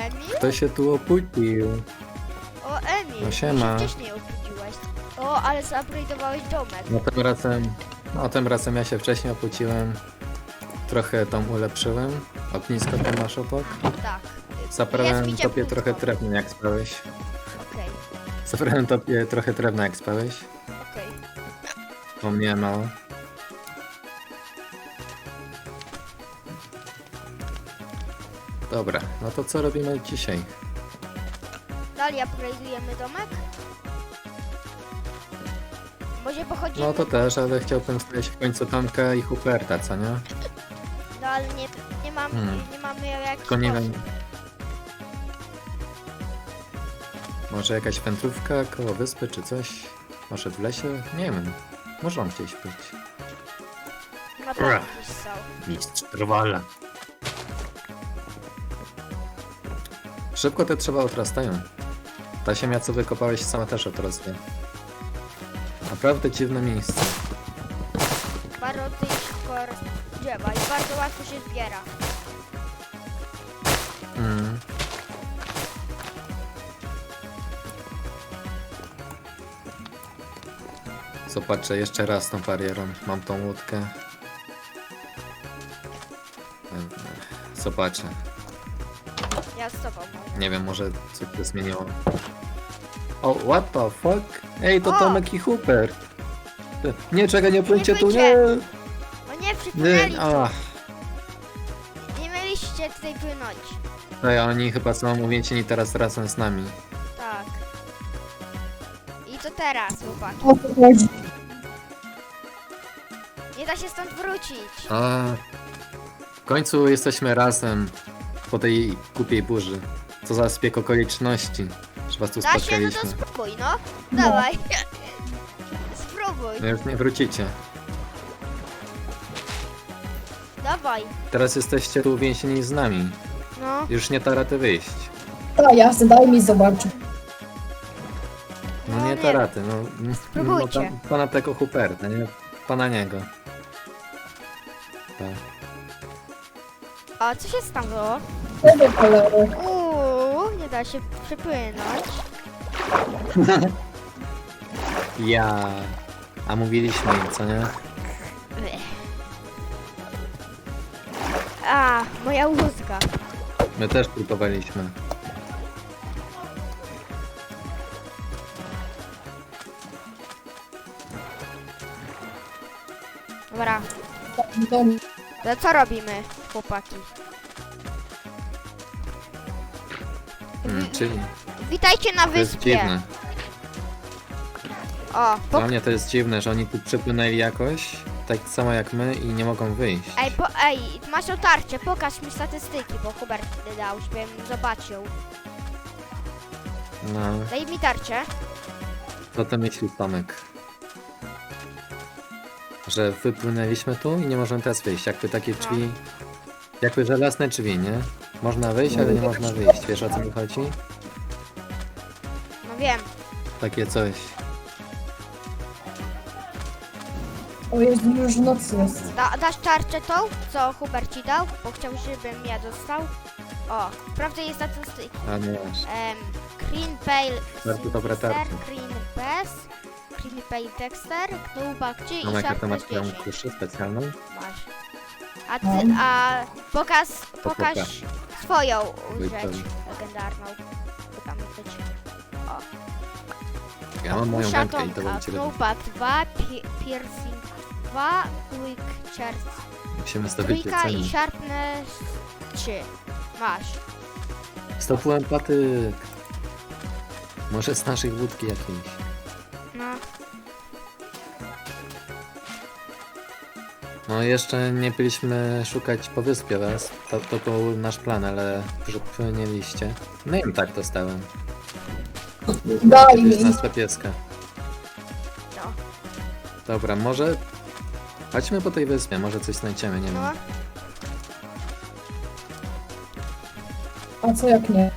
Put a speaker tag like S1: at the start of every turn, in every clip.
S1: Emil?
S2: Kto się tu opuścił?
S1: O, Emil,
S2: No
S1: ty
S2: siema.
S1: się wcześniej obudziłeś. O, ale zupgrade'owałeś domek.
S2: No tym razem ja się wcześniej opłaciłem. Trochę tam ulepszyłem. Ognisko tam masz obok.
S1: Tak.
S2: Zabrałem
S1: mi
S2: tobie
S1: cieplutko.
S2: trochę drewna jak spałeś.
S1: Okej,
S2: Zabrałem tobie trochę drewna jak spałeś.
S1: okej.
S2: Bo mnie mało. Dobra, no to co robimy dzisiaj?
S1: Dalej upgrade'ujemy domek? Może pochodzimy?
S2: No to też, ale chciałbym znaleźć w końcu Tomka i Huberta, co nie?
S1: No ale nie mamy jak
S2: Tylko nie wiem. Może jakaś wędrówka koło wyspy czy coś? Może w lesie? Nie wiem. Może gdzieś być.
S1: Na pewno gdzieś są.
S2: Mistrz trwala. Szybko te drzewa odrastają. Ta ziemia co wykopałeś sama też odrasta. Naprawdę dziwne miejsce.
S1: Bardzo szybko drzewa i bardzo łatwo się zbiera.
S2: Mm. Zobaczę jeszcze raz tą barierą. Mam tą łódkę. Zobaczę.
S1: Ja z tobą może.
S2: Nie wiem, może coś się zmieniło. O, what the fuck? Ej, to
S1: O!
S2: Tomek i Hubert. Nie, czekaj, nie płyńcie tu, nie!
S1: płyńcie. O nie, przypłynęli
S2: Nie,
S1: tu.
S2: ach.
S1: Nie mieliście tutaj płynąć.
S2: No ja oni chyba są uwięzieni teraz razem z nami.
S1: Tak. I to teraz, chłopaki.
S3: O co chodzi?
S1: Nie da się stąd wrócić.
S2: A, w końcu jesteśmy razem po tej głupiej burzy. Co za zbieg okoliczności, że was tu
S1: Da się? No to
S2: spotkaliśmy.
S1: spróbuj, no. Dawaj. Spróbuj.
S2: No już nie wrócicie.
S1: Dawaj.
S2: Teraz jesteście tu uwięzieni z nami.
S1: No.
S2: Już nie da rady wyjść.
S3: A jasne, daj mi zobaczyć.
S2: No
S1: No
S2: nie
S1: nie.
S2: da rady, no.
S1: Spróbujcie.
S2: No, pana tego Huberta, nie? Pana niego. Tak.
S1: A co się stało?
S3: Tego cholery.
S1: Nie da się przepłynąć.
S2: Ja. A mówiliśmy im, co nie?
S1: A, moja łódka.
S2: My też próbowaliśmy.
S1: Dobra.
S3: To
S1: To co robimy, chłopaki?
S2: Czyli
S1: Witajcie na
S2: to jest
S1: wyspie.
S2: dziwne.
S1: O,
S2: Dla mnie to jest dziwne, że oni tu przypłynęli jakoś, tak samo jak my i nie mogą wyjść.
S1: Ej, masz otarcie, pokaż mi statystyki, bo Hubert dał, żebym zobaczył.
S2: No,
S1: Daj mi tarczę.
S2: co to myśli Tomek? Że wypłynęliśmy tu i nie możemy teraz wyjść. Jakby takie drzwi... Jakby żelazne drzwi, nie? Można wyjść, ale nie można wyjść. Wiesz o co mi chodzi?
S1: No wiem.
S2: Takie coś.
S3: o Jezu, już noc jest.
S1: Dasz tarczę tą, co Hubert ci dał, bo chciał, żebym ja dostał. O, sprawdzę jej statystyki.
S2: A nie masz.
S1: Green Pale
S2: Bardzo dobre
S1: Sister,
S2: tarcze.
S1: Green Bass, Green Pale Dexter, Knubakci i
S2: Mam jaką to
S1: Sharpness
S2: masz twoją
S1: 10.
S2: kuszę specjalną?
S1: Masz. A pokaż
S2: pokaż.
S1: swoją
S2: Wyjdź
S1: rzecz
S2: tam.
S1: legendarną. Co tam być? O.
S2: Ja mam moją
S1: Kusza
S2: wędkę i to
S1: Tomka,
S2: bym cię wybrał.
S1: Knubak 2, Piercing 2, Quick Charge
S2: Musimy zdobyć
S1: trójka i
S2: ceny.
S1: Sharpness 3. Masz.
S2: Stopułem patyk. Może z naszych wódki jakiejś.
S1: No.
S2: No jeszcze nie byliśmy szukać po wyspie was. To był nasz plan, ale przypłynęliście. No i tak dostałem.
S3: Daj
S2: To jest
S3: mi.
S2: nazwa pieska.
S1: No.
S2: Dobra, może... Chodźmy po tej wyspie, może coś znajdziemy, nie
S1: No.
S2: wiem.
S3: A co jak nie?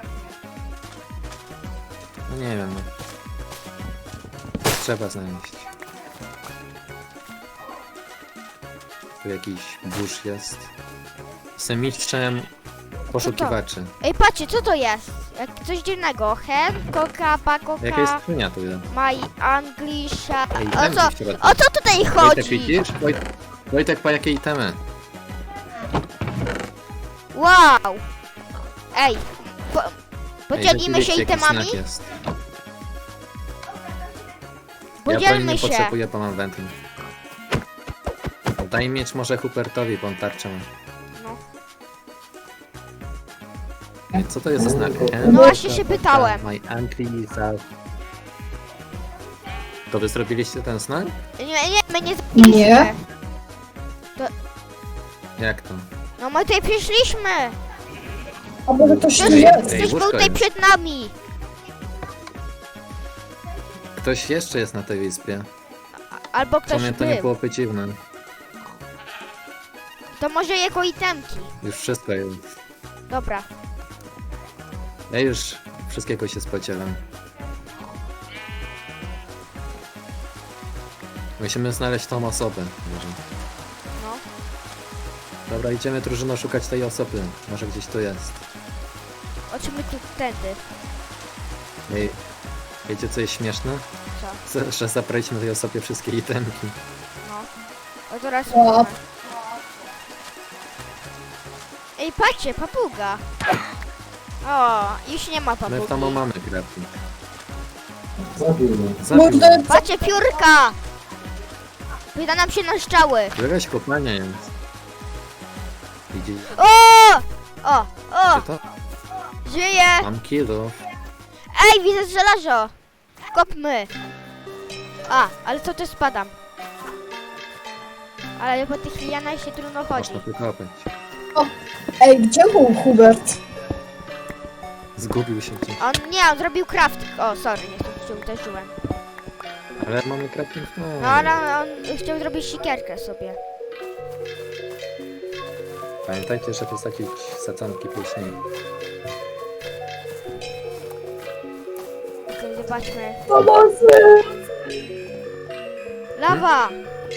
S2: No nie wiem, no. Coś trzeba znaleźć. Tu jakiś burz jest. Jestem mistrzem poszukiwaczy.
S1: Ej, patrzcie, co to jest? Jak coś dziwnego. Hen, koka, pakoka,
S2: Jaka jest skrzynia tu jest?
S1: my Anglisha.
S2: Ej,
S1: O
S2: itemki
S1: co?
S2: w środku.
S1: O co tutaj
S2: Wojtek,
S1: chodzi?
S2: widzisz? Wojtek, po jakie itemy?
S1: Wow! Ej,
S2: Ej,
S1: podzielimy się
S2: rzeczywiście, jaki
S1: itemami?
S2: znak jest. Ja
S1: Podzielmy
S2: broń nie
S1: się.
S2: potrzebuję, bo mam wentyln. Daj miecz może Hubertowi, bo on tarczę ma.
S1: No.
S2: Ej, co to jest za znak?
S1: No właśnie się pytałem.
S2: My uncle za... To wy zrobiliście ten znak?
S1: Nie, my nie zrobiliśmy.
S3: Nie.
S2: Jak to?
S1: No my tutaj przyszliśmy.
S3: A może ktoś tu
S1: Ktoś,
S3: jest?
S2: Ej,
S1: ktoś był
S2: łóżko
S1: tutaj
S2: jest.
S1: przed nami.
S2: Ktoś jeszcze jest na tej wyspie.
S1: Albo
S2: W
S1: ktoś
S2: sumie to nie
S1: był.
S2: byłoby dziwne.
S1: To może jako itemki.
S2: Już wszystko jest.
S1: Dobra.
S2: Ja już wszystkiego się spodziewam. Musimy znaleźć tą osobę. Może.
S1: No.
S2: Dobra, idziemy drużyno szukać tej osoby. Może gdzieś tu jest.
S1: Oczymy tu tędy.
S2: Ej, wiecie co jest śmieszne?
S1: Co?
S2: Że zabraliśmy tej osobie wszystkie itemki.
S1: No. O teraz
S3: O.
S1: mamy. Ej, patrzcie, papuga. O, już nie ma
S2: My w
S1: papugi.
S2: domu mamy crafting.
S3: Kurde,
S1: Patrzcie, piórka! Wyda nam się na strzały.
S2: Jakaś kopalnia jest. Widzicie
S1: O! O!
S2: to?
S1: Żyje!
S2: Mam kilo.
S1: Ej, widzę żelazo! Kopmy! A, ale co to spadam? Ale po tych lianach się trudno chodzi.
S2: Można wykopać.
S3: ej, gdzie był Hubert?
S2: Zgubił się gdzieś.
S1: On zrobił crafting. O, sorry, nie chcę, się uderzyłem.
S2: Ale mamy crafting w domu.
S1: No, ale on chciał zrobić sikierkę sobie.
S2: Pamiętajcie, że to jest jakieś sadzonki później.
S1: Okej, zobaczmy.
S3: Pomocy!
S1: Lawa!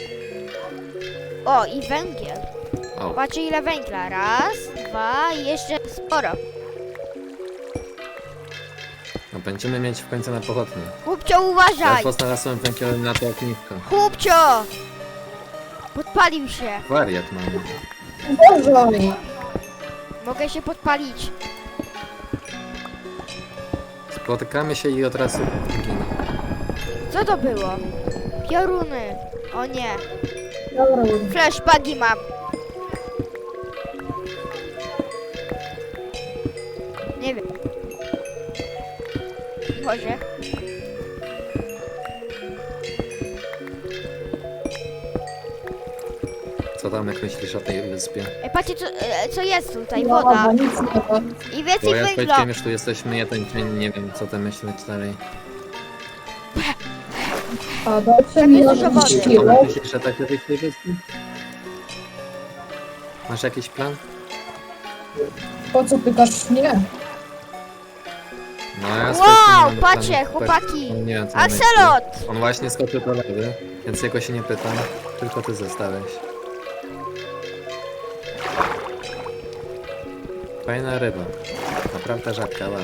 S1: O, i węgiel.
S2: O,
S1: Patrzcie ile węgla. Raz, dwa i jeszcze sporo.
S2: no będziemy mieć w końcu na pochodnie.
S1: Chłopcio, uważaj!
S2: Ledwo znalazłem węgiel na to ognisko.
S1: Chłopcio! Podpalił się.
S2: Wariat mamy.
S3: Uważaj!
S1: Mogę się podpalić.
S2: Spotykamy się i od razu ginę.
S1: Co to było? Pioruny. O nie.
S3: Dobra,
S1: Flashbagi mam. Nie wiem. Może.
S2: Co tam, jak myślisz o tej wyspie?
S1: Ej, patrzcie co jest tutaj.
S3: no,
S1: Woda.
S3: nic nie ma.
S1: I
S2: Bo
S1: więcej
S2: ja z
S1: węgla.
S2: Wojtkiem już tu jesteśmy jeden dzień, nie wiem co tam myśleć dalej.
S3: A dajcie
S1: Tam
S3: mi
S1: jest
S3: na
S1: dużo wody.
S3: 10
S2: A
S3: kilo.
S2: myślisz, że tak wyjść z tej wyspy? Masz jakiś plan?
S3: Po co pytasz mnie?
S2: No ja z
S1: Wow,
S2: Wojtkiem nie mam
S1: patrzcie,
S2: planu.
S1: chłopaki.
S2: On nie wiem, co on myśli.
S1: Axelot!
S2: On właśnie skoczył do lewy, więc jego się nie pytam. Tylko ty zostałeś. Fajna ryba. Naprawdę rzadka, ale...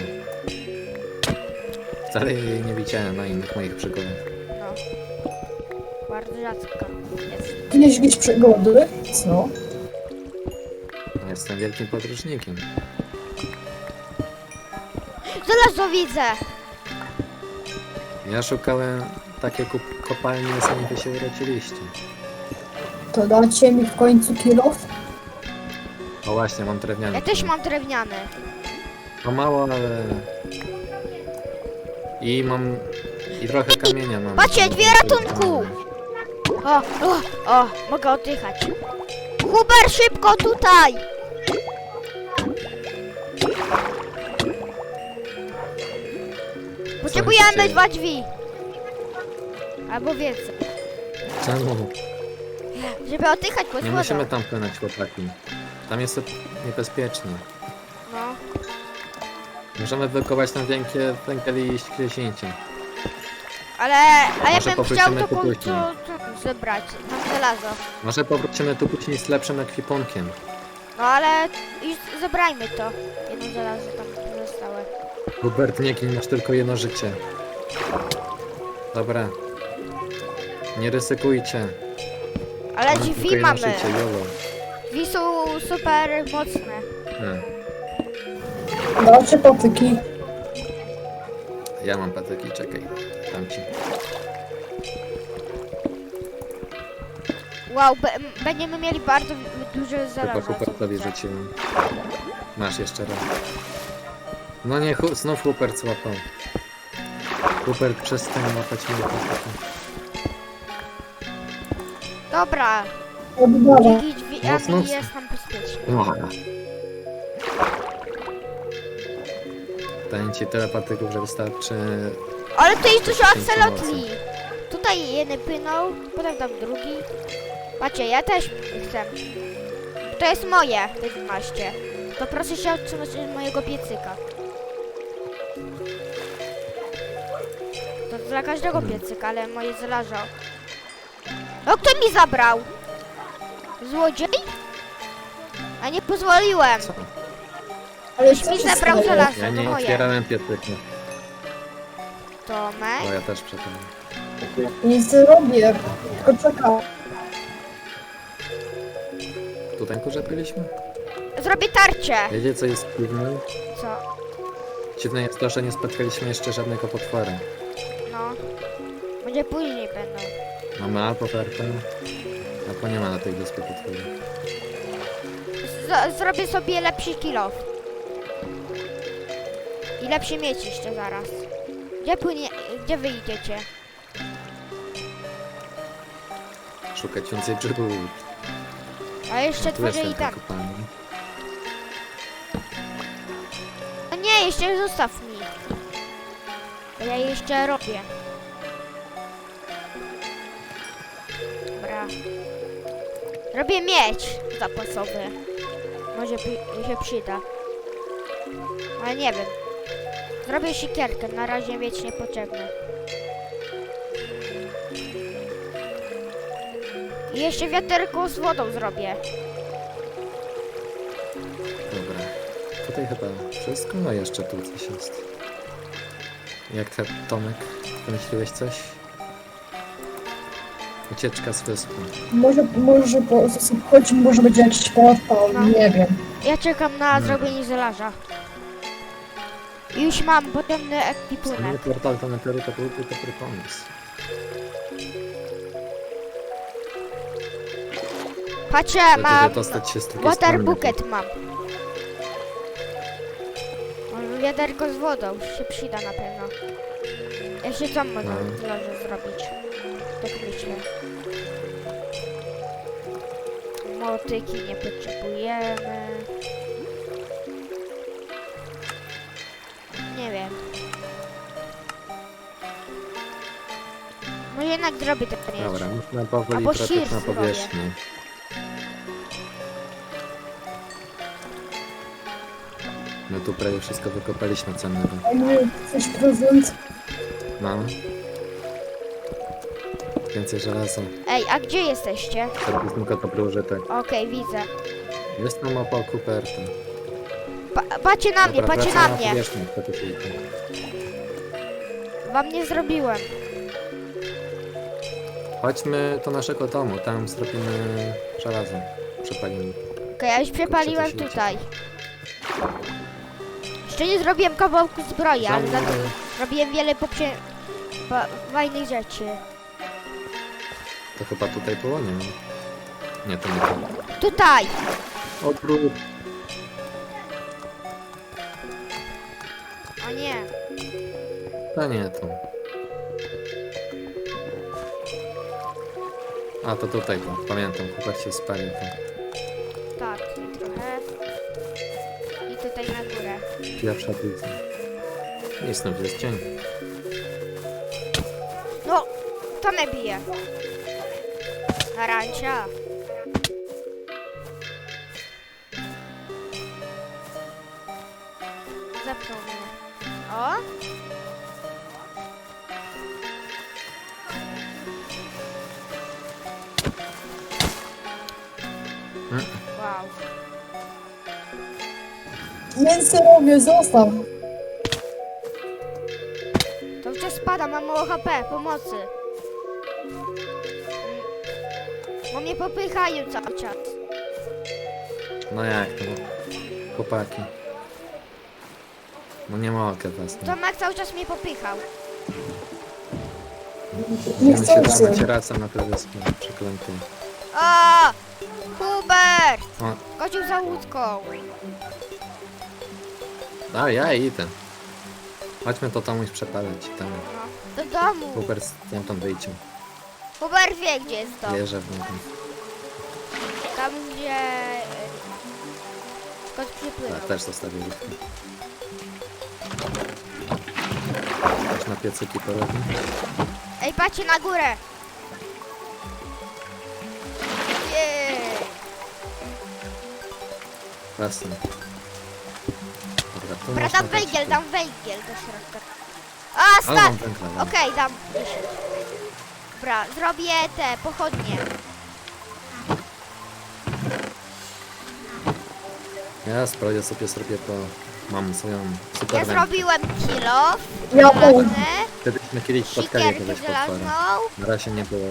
S2: Wcale jej nie widziałem na innych moich przygodach.
S1: No. Bardzo rzadko jest.
S3: Jakieś przygody? Co?
S2: No, jestem wielkim podróżnikiem.
S1: Żelazo widzę!
S2: Ja szukałem takiej kopalni, zanim wy się urodziliście.
S3: To dacie mi w końcu kilo?
S2: O właśnie, mam drewniany.
S1: Ja też mam drewniany.
S2: No mało, ale... I mam... I trochę kamienia mam.
S1: Patrzcie, dwie ratunku! O, mogę oddychać. Huber, szybko tutaj! Potrzebujemy
S2: dzieje?
S1: 2 drzwi. Albo więcej.
S2: Czemu?
S1: Żeby oddychać pod
S2: Nie
S1: wodą.
S2: musimy tam płynąć, chłopaki. Tam jest to niebezpieczne.
S1: No.
S2: Możemy wykować tam węgiel i iść gdzieś.
S1: A ja
S2: Może
S1: bym chciał
S2: powrócimy
S1: to
S2: tu później.
S1: zebrać. Tam żelazo.
S2: Może powrócimy tu później z lepszym ekwipunkiem.
S1: No ale już zabrajmy to. Jedno żelazo tam pozostałe.
S2: Hubert, nie gin, masz tylko jedno życie. Dobra. Nie ryzykujcie.
S1: Ale
S2: Mam tylko
S1: drzwi
S2: jedno
S1: mamy.
S2: życie, jolo.
S1: Drzwi są super mocne.
S3: Dobrze, patyki.
S2: Ja mam patyki, czekaj. Dam ci.
S1: Wow, będziemy mieli bardzo dużo
S2: Chyba
S1: żelaza.
S2: Hubertowi rzuciłem. Masz jeszcze raz. No nie, znów Hubert złapał. Hubert, przestań łapać mnie patyki.
S1: Dobra,
S3: Oddawa.
S1: dzięki drzwiami
S2: Mocno.
S1: jest nam bezpiecznie.
S2: Daję ci tyle patyków, że wystarczy.
S1: Ale to jest dużo
S2: Dzięki
S1: akselotli. Tutaj jeden płynął, potem tam drugi. Patrzcie, ja też chcę. To jest moje, te 12. To proszę się odsunąć od mojego piecyka. To dla każdego piecyka, ale moje zalażą. No kto mi zabrał? Złodziej? A nie pozwoliłem.
S2: Co?
S3: Ale
S1: Ktoś mi zabrał żelazo,
S2: Ja
S1: to
S2: nie
S1: moje.
S2: otwierałem pietyku.
S1: Tomek?
S2: O, ja też przepraszam.
S3: Nic nie robię, tylko czekam.
S2: Tutaj kurze byliśmy?
S1: Zrobię tarczę.
S2: Wiecie co jest dziwne?
S1: Co?
S2: Dziwne jest to, że nie spotkaliśmy jeszcze żadnego potwora.
S1: No. Może później będą.
S2: Mamy albo ofertę, albo nie ma na tej wyspie potworu.
S1: Zrobię sobie lepszy kill-off. I lepszy mieć jeszcze zaraz. Gdzie płynie... Gdzie wy idziecie?
S2: Szukać więcej przygód.
S1: A jeszcze
S2: Tu jest
S1: tworzę i
S2: ten
S1: tak.
S2: kopalnia.
S1: No nie, jeszcze zostaw mi. Bo ja jeszcze robię. Dobra. Robię miecz zapasowy. Może się przyda. Ale nie wiem. Zrobię siekierkę, na razie mieć niepotrzebny. I jeszcze wiaterko z wodą zrobię.
S2: Dobra. Tutaj chyba wszystko, no jeszcze tu coś jest. Jak te Tomek? Wymyśliłeś coś? Ucieczka z wyspy.
S3: Może chodź, może będzie jakiś portal,
S1: No.
S3: nie wiem.
S1: Ja czekam na
S2: No.
S1: zrobienie żelaza. Już mam potemny
S2: Sammy
S1: ekwipunek.
S2: portal to na teorii to byłby dobry pomysł.
S1: Patrzcie,
S2: Żeby
S1: mam
S2: dostać się z drugiej
S1: water
S2: strony.
S1: bucket mam. Może wiaderko z wodą się przyda na pewno. Jeszcze co można
S2: No.
S1: żelazo zrobić? Tak myślę. Motyki nie potrzebujemy. Nie wiem. Może jednak zrobię ten miecz.
S2: Dobra, można powoli
S1: Albo
S2: wracać
S1: shears
S2: na
S1: zrobię.
S2: powierzchnię. My tu prawie wszystko wykopaliśmy cennego.
S3: A nie, coś prezent.
S2: No. Więcej żelaza.
S1: Ej, a gdzie jesteście?
S2: To jest tylko dobry użytek.
S1: Okej, widzę.
S2: Jest tam opał Kuperta.
S1: Patrzcie na mnie,
S2: Dobra,
S1: patrzcie
S2: wracamy
S1: na mnie.
S2: powierzchnię, kto tu się idzie.
S1: Wam nie zrobiłem.
S2: Chodźmy do naszego domu, tam zrobimy żelazo. Przepalimy.
S1: Okej, ja już przepaliłem
S2: Kurczę, co się
S1: tutaj. Jeszcze nie zrobiłem kawałku zbroi, ale za to robiłem wiele fajnych rzeczy.
S2: To chyba tutaj było? Nie. Nie, to nie to.
S1: Tutaj!
S2: Odwrót.
S1: O nie.
S2: To nie to. A to tutaj to. Pamiętam, chłopak się spalił to.
S1: Tak, tutaj trochę. I tutaj na górę.
S2: Pierwsza blizna. I znów jest cień.
S1: No, to mnie bije. Arancia. Zepnął mnie. O!
S2: Mm.
S1: Wow.
S3: Mięso robię, zostaw.
S1: To wciąż spada, mam mało HP, pomocy. Bo mnie popychają cały czas.
S2: No jak to? Chłopaki. No nie mogę was. No.
S1: Tomek cały czas mnie popychał.
S3: Nie
S2: Musimy się
S3: chcę.
S2: trzymać razem na tej wyspie. Przeklęty.
S1: O! Hubert!
S2: O,
S1: Chodził za łódką.
S2: a ja idę. Chodźmy to tam już przepalać. Tam
S1: No, do domu.
S2: Hubert stamtąd wyjdzie.
S1: Hubert wie, gdzie jest dom.
S2: Wierzę w niego.
S1: Tam, gdzie... Skąd przypłynął.
S2: Tak, też zostawię łódkę. Też na piecyki porobię.
S1: Ej, patrzcie na górę! Jej!
S2: Jasne. Dobra, tu
S1: Dobra,
S2: można
S1: dam
S2: dać-
S1: węgiel do środka. A,
S2: Ale
S1: start!
S2: mam węgla, no.
S1: Okej, dam 10. Dobra, zrobię te pochodnie.
S2: Ja sprawdzę sobie to. Mam swoją super
S1: Ja
S2: wędkę.
S1: zrobiłem kilo,
S3: Ja
S1: żelazne,
S2: Kiedyśmy kiedyś spotkali
S1: sikierkę
S2: kogoś potwora.
S1: żelazną,
S2: Na razie nie było.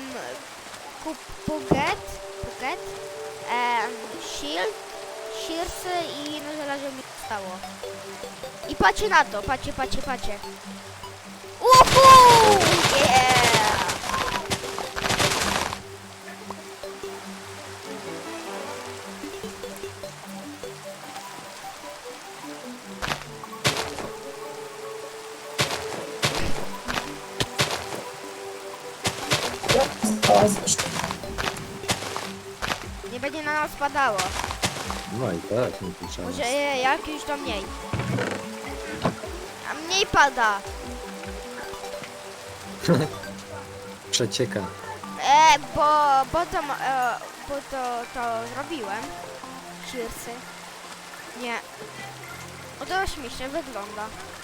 S1: puget, shield, shearsy i no żelazo mi zostało. I patrzcie na to, patrzcie. Uhu! Yeah! Nie będzie na nas padało.
S2: No i tak, nie piszemy.
S1: Może jak już to mniej. A mniej pada.
S2: Przecieka.
S1: Bo to zrobiłem. Shearsy. Nie. O, to śmiesznie wygląda.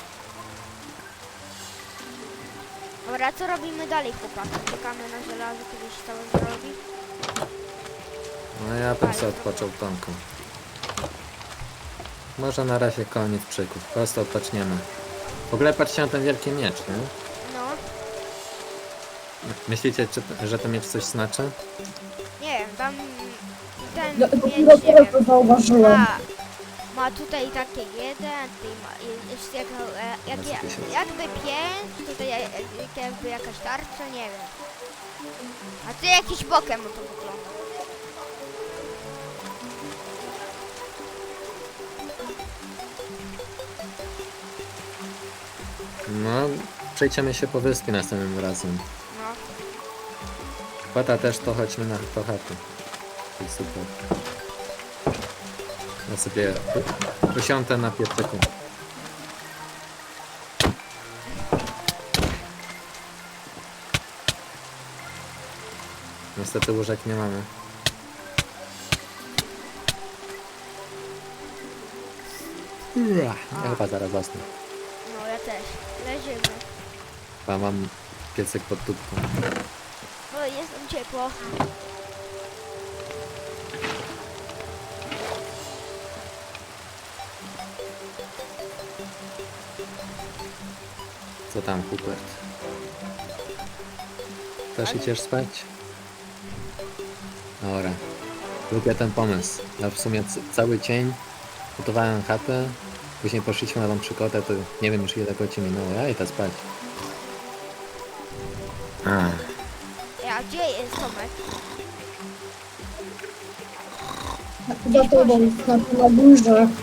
S1: Dobra, co robimy dalej, chłopaki? Czekamy na żelazo, kiedy się to zrobi.
S2: No ja bym sobie odpoczął tonką. Może na razie koniec przyków. Po prostu odpoczniemy. W ogóle patrzcie na ten wielki miecz, nie?
S1: No,
S2: Myślicie, że ten miecz coś znaczy?
S1: nie wiem, tam ten
S3: Dopiero
S1: miecz, nie
S3: teraz to
S1: wiem,
S3: zauważyłem.
S1: ma tutaj takie jeden, tutaj ma jest jakby pięć, tutaj jakby jakaś tarcza, nie wiem. A tu jakiś bokiem to wygląda.
S2: No, przejdziemy się po wyspie następnym razem.
S1: No,
S2: Chłata też to chodźmy na to chatę. To jest super. Ja sobie usiądę na piecyku. Niestety łóżek nie mamy. Ja chyba zaraz zasnę.
S1: no ja też. Leżymy.
S2: A mam piecyk pod tubką.
S1: O, jest tam ciepło.
S2: Co tam, Hubert? Też idziesz spać? Dobra. Lubię ten pomysł. Ja w sumie cały dzień gotowałem chatę, później poszliśmy na tą przygodę, to nie wiem już ile godzin minęło. Ja idę spać.
S1: A gdzie jest Tomek?
S3: Za tobą, na górze.